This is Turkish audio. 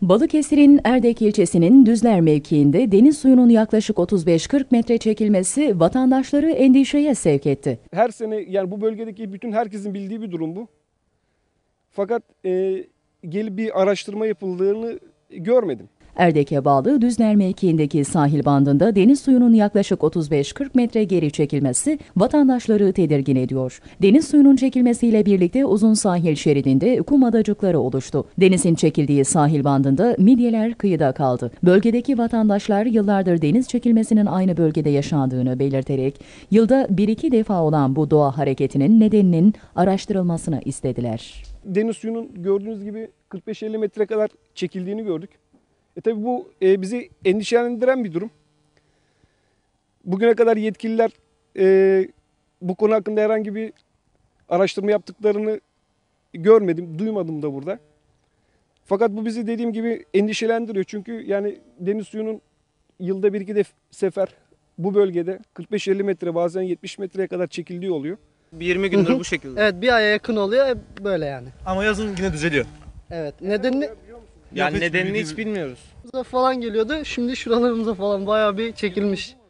Balıkesir'in Erdek ilçesinin Düzler mevkiinde deniz suyunun yaklaşık 35-40 metre çekilmesi vatandaşları endişeye sevk etti. Her sene yani bu bölgedeki bütün herkesin bildiği bir durum bu. Fakat gelip bir araştırma yapıldığını görmedim. Erdek'e bağlı Düzler mevkiindeki sahil bandında deniz suyunun yaklaşık 35-40 metre geri çekilmesi vatandaşları tedirgin ediyor. Deniz suyunun çekilmesiyle birlikte uzun sahil şeridinde kum adacıkları oluştu. Denizin çekildiği sahil bandında midyeler kıyıda kaldı. Bölgedeki vatandaşlar yıllardır deniz çekilmesinin aynı bölgede yaşandığını belirterek yılda 1-2 defa olan bu doğa hareketinin nedeninin araştırılmasını istediler. Deniz suyunun gördüğünüz gibi 45-50 metre kadar çekildiğini gördük. Tabii bu bizi endişelendiren bir durum. Bugüne kadar yetkililer bu konu hakkında herhangi bir araştırma yaptıklarını görmedim, duymadım da burada. Fakat bu bizi dediğim gibi endişelendiriyor. Çünkü yani deniz suyunun yılda 1-2 sefer bu bölgede 45-50 metre bazen 70 metreye kadar çekildiği oluyor. 20 gündür bu şekilde. Evet, bir aya yakın oluyor böyle yani. Ama yazın yine düzeliyor. Evet, nedenini Yani nedenini hiç bilmiyoruz. falan geliyordu. Şimdi şuralarımıza falan bayağı bir çekilmiş.